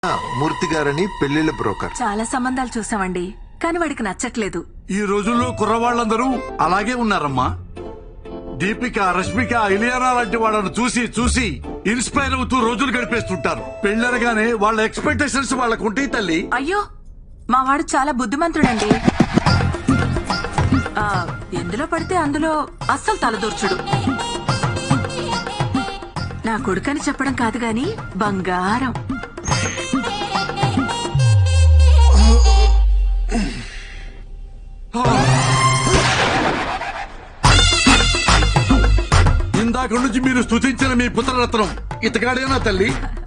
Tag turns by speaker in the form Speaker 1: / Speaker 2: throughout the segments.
Speaker 1: మూర్తి గారని పెళ్లిళ్ళ బ్రోకర్.
Speaker 2: చాలా సంబంధాలు చూసామండి, కానీ వాడికి నచ్చట్లేదు.
Speaker 3: ఈ రోజుల్లో కుర్రవాళ్ళందరూ అలాగే ఉన్నారమ్మా. దీపిక, రష్మిక, ఇలియానా లాంటి వాళ్ళను చూసి చూసి ఇన్స్పైర్ అవుతూ రోజులు గడిపేస్తుంటారు. పెళ్ళనగానే వాళ్ళ ఎక్స్పెక్టేషన్స్ వాళ్ళకు ఉంటాయి తల్లి.
Speaker 2: అయ్యో, మా వాడు చాలా బుద్ధిమంతుడండి. ఎందులో పడితే అందులో అస్సలు తలదూర్చుడు. నా కొడుకని చెప్పడం కాదు గాని బంగారం.
Speaker 3: ఇందాక నుంచి మీరు స్తుతించిన మీ పుత్రరత్నం ఇతగాడేనా తల్లి?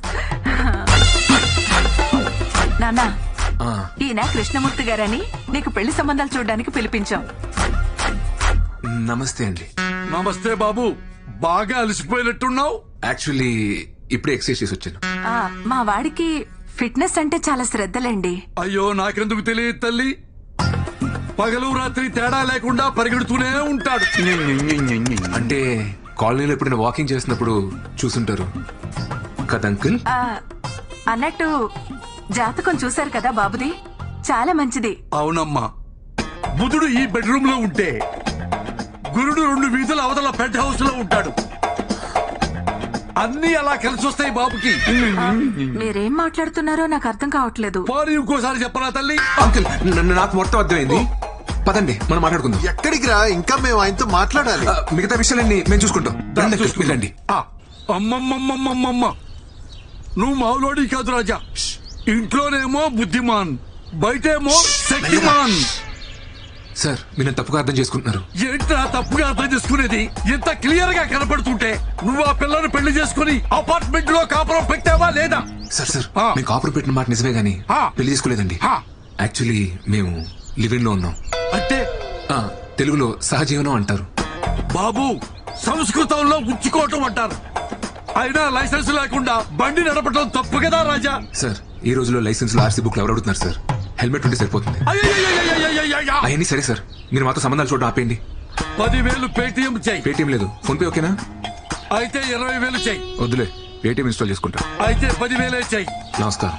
Speaker 2: నాన్న, ఈయన కృష్ణమూర్తి గారని నీకు పెళ్లి సంబంధాలు చూడడానికి పిలిపించాం.
Speaker 4: నమస్తే అండి.
Speaker 3: నమస్తే బాబు, బాగా అలసిపోయినట్టున్నావు.
Speaker 4: యాక్చువల్లీ ఇప్పుడే ఎక్సర్సైజ్ చేసి వచ్చాను.
Speaker 2: మా వాడికి ఫిట్నెస్ అంటే చాలా శ్రద్ధలండి.
Speaker 3: అయ్యో, నాకెందుకు తెలియదు తల్లి. పగలు రాత్రి తేడా లేకుండా పరిగెడుతూనే ఉంటాడు.
Speaker 4: అంటే కాలనీలో ఎప్పుడైనా వాకింగ్ చేసినప్పుడు చూసుంటారు కదా అంకుల్.
Speaker 2: అన్నట్టు జాతకం చూశారు కదా బాబుది, చాలా మంచిది.
Speaker 3: అవునమ్మా, బుధుడు ఈ బెడ్రూమ్ లో ఉంటే గురుడు 2 వీధుల అవతల పెంట్ హౌస్ లో ఉంటాడు. అన్ని అలా కలిసి వస్తాయి బాబుకి.
Speaker 2: మీరేం మాట్లాడుతున్నారో నాకు అర్థం కావట్లేదు.
Speaker 3: పోనీ ఇంకోసారి చెప్పరా తల్లి?
Speaker 4: అంకుల్, నాకు మొత్తం అర్థమైంది. పదండి, మనం మాట్లాడుకుందాం.
Speaker 1: ఎక్కడికి రా, ఇంకా మేము ఆయనతో మాట్లాడాలి.
Speaker 4: మిగతా విషయాలన్నీ మేము చూసుకుంటాం. రండి అంకుల్, వెళ్ళండి.
Speaker 3: అమ్మమ్మమ్మమ్మమ్మ, నువ్వు మావులోడి కాదు రాజా. ఇంట్లోనేమో బుద్ధిమాన్, బయటేమో శక్తిమాన్.
Speaker 4: సార్, మీరు నన్ను తప్పుగా అర్థం చేసుకుంటున్నారు.
Speaker 3: ఏంట్రా తప్పుగా అర్థం చేసుకునేది? ఇంత క్లియర్ గా కనపడుతుంటే నువ్వు ఆ పిల్లను పెళ్లి చేసుకుని అపార్ట్మెంట్ లో కాపురం పెట్టావా లేదా?
Speaker 4: సార్ సార్, మేము కాపురం పెట్టిన మాట నిజమే గానీ పెళ్లి చేసుకోలేదండి. యాక్చువల్లీ మేము లివింగ్ లో ఉన్నాం.
Speaker 3: అంటే
Speaker 4: తెలుగులో సహజీవనం అంటారు.
Speaker 3: బాబు, సంస్కృతంలో ఉంచుకోవటం అంటారు. అయినా లైసెన్స్ లేకుండా బండి నడపడం తప్పు కదా రాజా?
Speaker 4: సార్, ఈ రోజులో లైసెన్స్ లో ఆర్సీ బుక్ ఎవరు అడుగుతున్నారు సార్? హెల్మెట్ ఉంటే సరిపోతుంది. అవన్నీ సరే సార్, మీరు మాతో సంబంధాలు చూడడం ఆపేయండి.
Speaker 3: 10,000 పేటిఎం చెయ్యి.
Speaker 4: పేటిఎం లేదు, ఫోన్ పే ఓకేనా?
Speaker 3: అయితే 20,000 చెయ్యి.
Speaker 4: వద్దులే, పేటిఎం ఇన్స్టాల్ చేసుకుంటా.
Speaker 3: అయితే 10,000 చెయ్యి.
Speaker 4: నమస్కారం.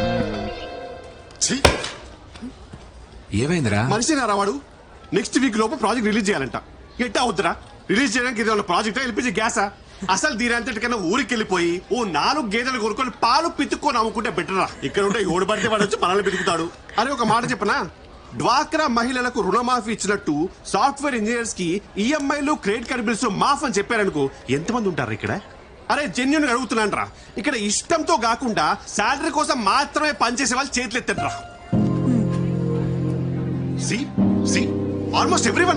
Speaker 4: ఏమైందిరా?
Speaker 5: మనిషి వాడు నెక్స్ట్ వీక్ లోపు ప్రాజెక్ట్ రిలీజ్ చేయాలంట. ఎట్టా అవుతురా? రిలీజ్ చేయడానికి ఇది ప్రాజెక్ట్ ఎల్పిజి గ్యాసా? అసలు దీనంతటికన్నా ఊరికి వెళ్ళిపోయి ఓ 4 గేదెలు కొనుక్కొని పాలు పితుక్కొని అమ్ముకుంటే బెటరా. ఇక్కడ ఉంటే ఓడి పడితే వాడు వచ్చి మనల్ని పితుకుతాడు. అని ఒక మాట చెప్పనా, డ్వాక్రా మహిళలకు రుణమాఫీ ఇచ్చినట్టు సాఫ్ట్వేర్ ఇంజనీర్స్ కి ఈఎంఐలు క్రెడిట్ కార్డ్ బిల్స్ మాఫ్ అని చెప్పారనుకో, ఎంతమంది ఉంటారు ఇక్కడ? అరే, జెన్యున్ గా అడుగుతున్నాను రా. ఇక్కడ ఇష్టంతో కాకుండా శాలరీ కోసం మాత్రమే పనిచేసే వాళ్ళు చేతులు ఎత్తండి రా. Almost everyone.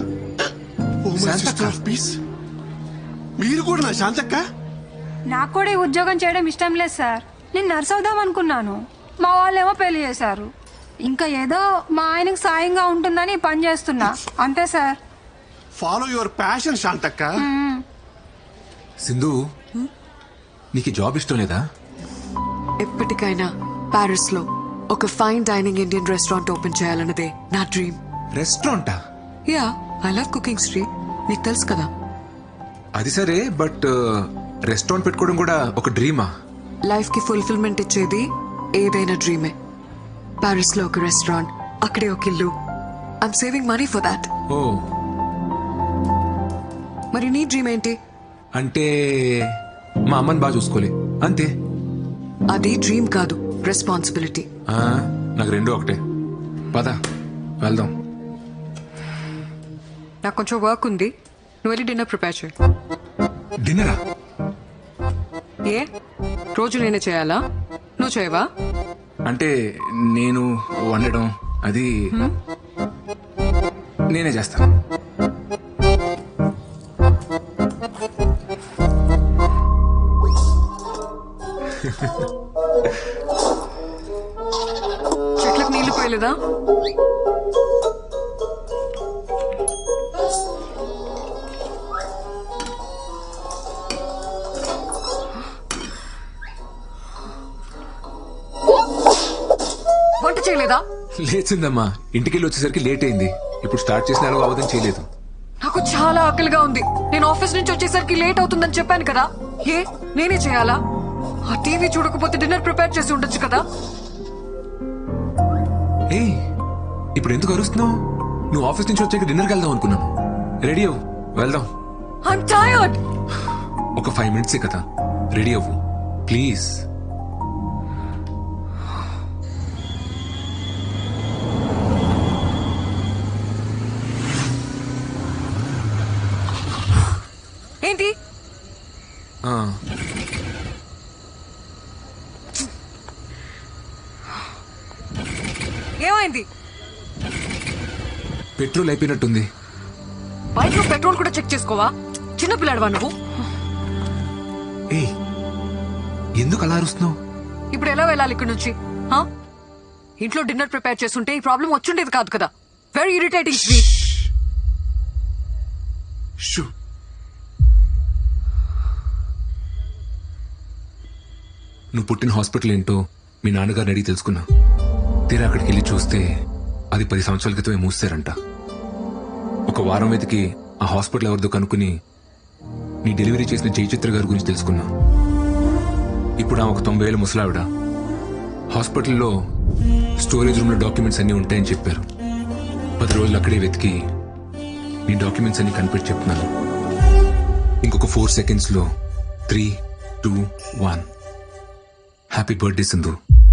Speaker 5: మీరు కూడా నా శాంతక్క?
Speaker 6: నాకు కూడా ఈ ఉద్యోగం చేయడం ఇష్టం లేదు సార్. నేను నర్స్ అవుదాం అనుకున్నాను, మా వాళ్ళేమో పెళ్లి చేశారు. ఇంకా ఏదో మా ఆయనకు సాయంగా ఉంటుందని పని చేస్తున్నా, అంతే sir.
Speaker 5: Follow your passion Shanthakka.
Speaker 4: Sindhu, నీకు జాబ్ ఇష్టం లేదా?
Speaker 7: ఎప్పటికైనా పారిస్ లో ఒక fine dining Indian restaurant open చేయాలన్నదే నా డ్రీమ్.
Speaker 4: రెస్టారెంటా?
Speaker 7: Yeah, I love cooking Sri, నీకు తెలుసు కదా.
Speaker 4: అది సరే, బట్ రెస్టారెంట్ పెట్టుకోవడం కూడా ఒక డ్రీమా?
Speaker 7: లైఫ్ కి ఫుల్ఫిల్మెంట్ ఇచ్చేది ఏదైనా డ్రీమే. పారిస్ లో ఒక రెస్టారెంట్, అక్కడే ఒక ఇల్లు. I'm saving money for that.
Speaker 4: ఓ,
Speaker 7: మరి నీ డ్రీమ్ ఏంటి?
Speaker 4: అంటే మా అమ్మని బాగా చూసుకోలే, అంతే.
Speaker 7: అది డ్రీమ్ కాదు, రెస్పాన్సిబిలిటీ.
Speaker 4: నాకు రెండు ఒకటే. పద వెళ్దాం.
Speaker 7: నాకు కొంచెం వర్క్ ఉంది, నువ్వు వెళ్ళి డిన్నర్ ప్రిపేర్ చేయి.
Speaker 4: డిన్నరా?
Speaker 7: ఏ రోజు నేనే చేయాలా? నువ్వు చేయవా?
Speaker 4: అంటే నేను వండడం అది నేనే చేస్తాను.
Speaker 7: చెట్లకు నీళ్లు పోయలేదా? వంట చేయలేదా?
Speaker 4: లేచిందమ్మా, ఇంటికెళ్ళి వచ్చేసరికి లేట్ అయింది. ఇప్పుడు స్టార్ట్ చేసిన అవధం చేయలేదు.
Speaker 7: నాకు చాలా ఆకలిగా ఉంది. నేను ఆఫీస్ నుంచి వచ్చేసరికి లేట్ అవుతుందని చెప్పాను కదా. ఏ నేనే చేయాలా? ఆ టీవీ చూడకపోతే డిన్నర్ ప్రిపేర్ చేసి ఉండొచ్చు కదా.
Speaker 4: ఏ ఇప్పుడు ఎందుకు అరుస్తున్నావు? నువ్వు ఆఫీస్ నుంచి వచ్చాక డిన్నర్కి వెళ్దాం అనుకున్నాను. రెడీ అవ్వు, వెళ్దాం.
Speaker 7: I'm tired.
Speaker 4: ఒక 5 minutes కదా, రెడీ అవ్వు ప్లీజ్.
Speaker 7: ఏంటి? ఏమైంది?
Speaker 4: పెట్రోల్ అయిపోయినట్టుంది.
Speaker 7: బైక్ లో పెట్రోల్ కూడా చెక్ చేసుకోవా? చిన్నపిల్లాడవా నువ్వు?
Speaker 4: ఏ ఎందుకు అలా అరుస్తున్నావు?
Speaker 7: ఇప్పుడు ఎలా వెళ్ళాలి ఇక్కడ నుంచి? హా? ఇంట్లో డిన్నర్ ప్రిపేర్ చేస్తుంటే ఈ ప్రాబ్లం వచ్చుండేది కాదు కదా. Very irritating.
Speaker 4: షూ. నువ్వు పుట్టిన హాస్పిటల్ ఏంటో మీ నాన్నగారిని అడిగి తెలుసుకున్నా. తీరా అక్కడికి వెళ్ళి చూస్తే అది 10 సంవత్సరాల క్రితమే మూసారంట. ఒక వారం వెతికి ఆ హాస్పిటల్ ఎవరిదో కనుక్కుని నీ డెలివరీ చేసిన జయచిత్ర గారి గురించి తెలుసుకున్నా. ఇప్పుడు ఆ ఒక 90 ఏళ్ళ ముసలావిడ హాస్పిటల్లో స్టోరేజ్ రూమ్ లో డాక్యుమెంట్స్ అన్ని ఉంటాయని చెప్పారు. 10 రోజులు అక్కడే వెతికి నీ డాక్యుమెంట్స్ అన్ని కనిపెట్టి చెప్తున్నాను. ఇంకొక 4 seconds లో 3, 2, 1. Happy birthday Sindhu.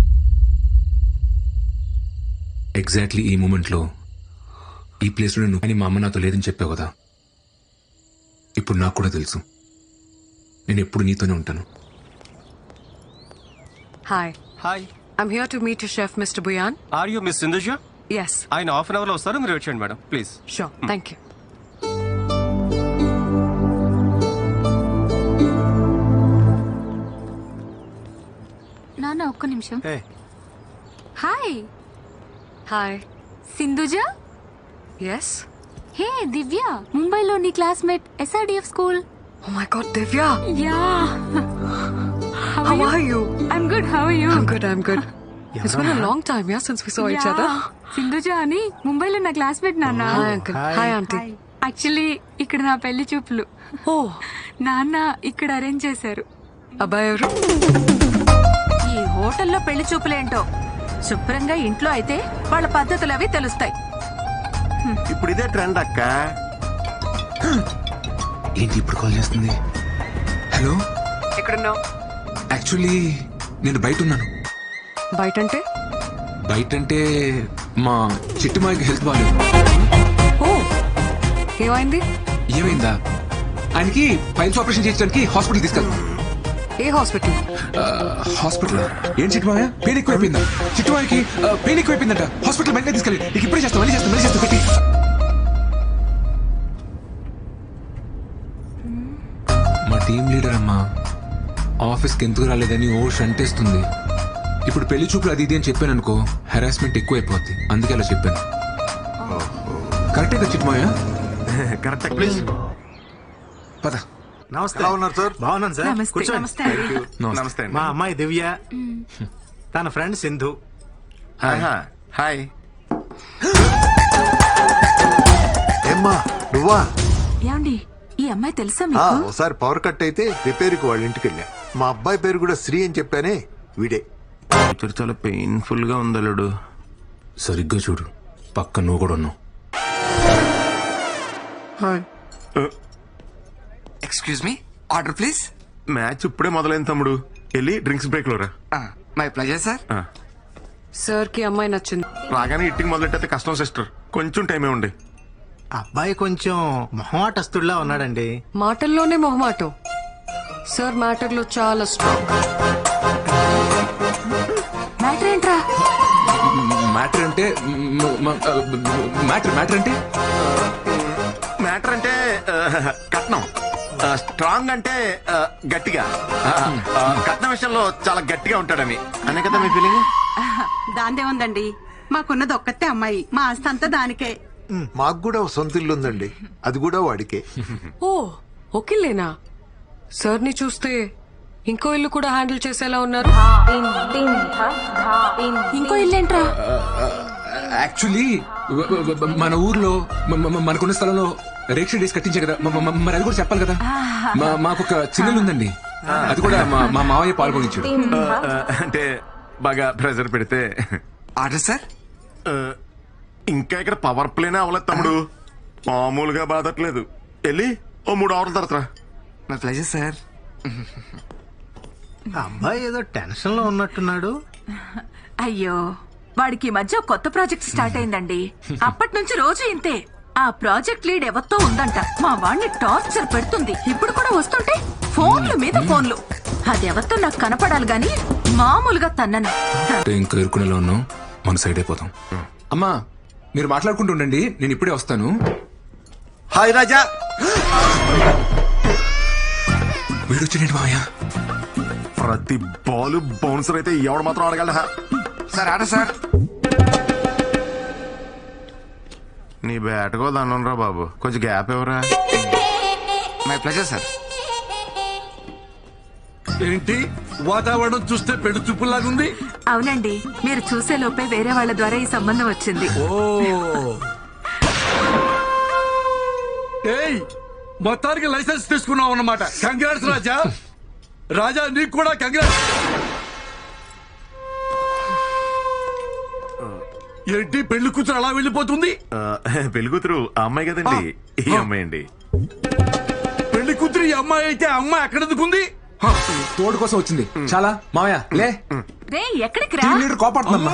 Speaker 4: ఎగ్జాక్ట్లీ ఈ మూమెంట్ లో ఈ ప్లేస్ లో నువ్వు, కానీ మా అమ్మ నాతో లేదని చెప్పావు కదా. ఇప్పుడు నాకు కూడా తెలుసు, నేను ఎప్పుడు నీతోనే ఉంటాను.
Speaker 7: Hi.
Speaker 8: Hi,
Speaker 7: I'm here to meet your chef mister Bhuyan.
Speaker 8: Are you miss Sindhuja?
Speaker 7: Yes.
Speaker 8: ఆయన హాఫ్ అన్ అవర్ లో వస్తారు, మీరు వచ్చేయండి madam please.
Speaker 7: Sure, thank you.
Speaker 9: నాన్న ఒక్క నిమిషం.
Speaker 8: ఏ
Speaker 9: hi
Speaker 7: hi.
Speaker 9: Sindhuja.
Speaker 7: Yes.
Speaker 9: Hey Divya, ముంబైలో నీ classmate, SRDF school.
Speaker 7: Oh my God Divya.
Speaker 9: Yeah.
Speaker 7: How are you?
Speaker 9: I'm good. How are you?
Speaker 7: I'm good, I'm good. It's been a long time, yeah, since we saw each other.
Speaker 9: Sindhuja అని ముంబైలో నా classmate నాన్న.
Speaker 7: Hi uncle. Hi auntie.
Speaker 9: Actually ఇక్కడ నా పెళ్లి చూపులు.
Speaker 7: Oh,
Speaker 9: నాన్న ఇక్కడ అరేంజ్ చేశారు.
Speaker 7: అబ్బాయి ఎవరు?
Speaker 2: ఈ హోటల్లో పెళ్లి చూపులేంటో, శుభ్రంగా ఇంట్లో అయితే వాళ్ళ పద్ధతులు అవి తెలుస్తాయి.
Speaker 5: ఇప్పుడు ఇదే ట్రెండ్ అక్క.
Speaker 4: ఏంటి ఇప్పుడు కాల్ చేస్తుంది? హలో,
Speaker 7: ఎక్కడున్నావు?
Speaker 4: యాక్చువల్లీ నేను బయట ఉన్నాను.
Speaker 7: బయట అంటే?
Speaker 4: బయట అంటే మా చిట్టుమాయకి హెల్త్ బాగాలేదు.
Speaker 7: ఓ, ఏమైంది?
Speaker 4: ఏమైందా? ఆయనకి పైల్స్ ఆపరేషన్ చేయించడానికి హాస్పిటల్ తీసుకెళ్తాం.
Speaker 7: ఏ హాస్పిటల్?
Speaker 4: హాస్పిటల్ ఏం చిట్టుమాయ? పెయిన్ ఎక్కువైపోయిందా? చిట్టుమాయకి పెయిన్ ఎక్కువైపోయిందంట. హాస్పిటల్ వెంటనే తీసుకెళ్ళి. నీకు ఇప్పుడే చేస్తాం, మళ్ళీ చేస్తాం పెట్టి. మా టీం లీడర్ అమ్మా ఆఫీస్కి ఎందుకు రాలేదని ఓ షంటేస్తుంది. ఇప్పుడు పెళ్లి చూపులు అది ఇది అని చెప్పాను అనుకో, హెరాస్మెంట్ ఎక్కువైపోద్ది. అందుకే అలా చెప్పాను. కరెక్టే కదా చిట్టుమాయ?
Speaker 5: Correct please.
Speaker 4: పద.
Speaker 1: నమస్తే. ఎలా ఉన్నారు సార్?
Speaker 10: బాగున్నాను సార్.
Speaker 2: నమస్తే.
Speaker 10: కూర్చోండి.
Speaker 2: నమస్తే అండి.
Speaker 5: నమస్తే అండి.
Speaker 10: మా అమ్మాయి దివ్య, తన ఫ్రెండ్ సింధు.
Speaker 5: హాయ్.
Speaker 1: ఏమ్మా నువ్వా?
Speaker 2: ఏమండి, ఈ అమ్మాయి తెలుసా
Speaker 1: ఆ,
Speaker 2: మీకు?
Speaker 1: ఒకసారి పవర్ కట్ అయితే రిపేర్కి వాళ్ళ ఇంటికి వెళ్ళా. మా అబ్బాయి పేరు కూడా శ్రీ అని చెప్పానే, వీడే.
Speaker 8: చాలా పెయిన్ఫుల్ గా ఉందలుడు.
Speaker 4: సరిగ్గా చూడు, పక్క నువ్వు కూడా ఉన్నావు.
Speaker 11: Excuse me, order please.
Speaker 5: Match ఇప్పుడే మొదలైంది తమ్ముడు, వెళ్ళి డ్రింక్స్ బ్రేక్ లో రా.
Speaker 11: My pleasure sir.
Speaker 7: సార్ కి అమ్మాయి నచ్చింది.
Speaker 5: రాగానే ఇట్టింగ్ మొదలెట్టయితే కష్టం సిస్టర్, కొంచెం టైమే ఉండే.
Speaker 10: అబ్బాయి కొంచెం మొహమాటస్తుడిలా ఉన్నాడండి.
Speaker 7: మాటల్లోనే మొహమాటం. సార్ మ్యాటర్ లో చాలా స్ట్రాంగ్.
Speaker 2: మ్యాటర్ ఏంట్రా?
Speaker 4: మ్యాటర్ అంటే మ్యాటర్ అంటే
Speaker 5: మ్యాటర్ అంటే కట్నం, స్ట్రాంగ్ అంటే గట్టిగా. కట్నం విషయంలో చాలా గట్టిగా ఉంటాడని అనే కదా మీ ఫీలింగ్.
Speaker 12: దాందే ఉందండి, మాకున్నది ఒక్కతే అమ్మాయి, మా ఆస్తి అంతా దానికే.
Speaker 1: మాకు కూడా ఒక సొంత ఇల్లు ఉందండి, అది కూడా వాడికే.
Speaker 7: ఓ, ఓకేలేనా? సార్ ని చూస్తే ఇంకో ఇల్లు కూడా హ్యాండిల్ చేసేలా ఉన్నారు.
Speaker 2: ఇంకో ఇల్లేంట్రా?
Speaker 4: యాక్చువల్లీ మన ఊర్లో మనకున్న స్థలంలో రేక్ష డేస్ కట్టించే కదా, మరి అది కూడా చెప్పాలి కదా. మాకు ఒక చిన్నలు ఉందండి, అది కూడా మా మావయ్య పాల్గొనించాడు.
Speaker 8: అంటే బాగా ప్రెజర్ పెడితే
Speaker 11: ఆర్డర్ సార్.
Speaker 8: ఇంకా ఇక్కడ పవర్ ప్లేనే అవ్వలేదు తమ్ముడు. మామూలుగా బాధట్లేదు. వెళ్ళి ఓ 3 అవర్ల తర్వాత రా.
Speaker 11: My pleasure sir.
Speaker 10: అబ్బాయి ఏదో టెన్షన్ లో ఉన్నట్టున్నాడు.
Speaker 2: అయ్యో వాడికి ఈ మధ్య కొత్త ప్రాజెక్ట్ స్టార్ట్ అయిందండి. అప్పటి నుంచి రోజు ఇంతే. ఆ ప్రాజెక్ట్ లీడ్ ఎవరితో ఉందంట. మా వాడిని టార్చర్ పెడుతుంది. ఇప్పుడు కూడా వస్తుంటే ఫోన్లు మీద ఫోన్లు. అది ఎవరితో నాకు కనపడాలి గాని మామూలుగా తన్నను.
Speaker 4: ఇంకా ఎరుకునేలో ఉన్నాం, మన సైడ్ అయిపోతాం. అమ్మా మీరు మాట్లాడుకుంటూ ఉండండి, నేను ఇప్పుడే వస్తాను.
Speaker 8: హాయ్ రాజా.
Speaker 4: వీడొచ్చాడండి మావయ్య.
Speaker 8: ప్రతి బాల్ బౌన్సర్ అయితే ఎవడు మాత్రం ఆడగలడా?
Speaker 11: Sir order sir.
Speaker 8: నీ బ్యాట్కో దండంరా బాబు, కొంచెం గ్యాప్ ఎవరా?
Speaker 11: My pleasure sir.
Speaker 3: ఏంటి వాతావరణం చూస్తే పెళ్లి చూపులాగుంది.
Speaker 2: అవునండి, మీరు చూసే లోపే వేరే వాళ్ళ ద్వారా ఈ సంబంధం వచ్చింది.
Speaker 3: ఓ ఏయ్, మొత్తానికి లైసెన్స్ తీసుకున్నావు అన్నమాట. కంగ్రాట్స్ రాజా. రాజా నీకు కూడా కంగ్రాట్స్. ఏంటి పెళ్లి కూతురు అలా వెళ్ళిపోతుంది?
Speaker 8: పెళ్లి కూతురు ఆ అమ్మాయి కదండి, ఈ అమ్మాయి అండి.
Speaker 3: పెళ్లి కూతురు ఈ అమ్మాయి అయితే ఆ అమ్మాయి ఎక్కడ దిగుంది?
Speaker 4: తోడు కోసం వచ్చింది. చాలా మావయ్య లే,
Speaker 2: రే ఎక్కడికి రా?
Speaker 4: Team leader కోపడుతుందమ్మా.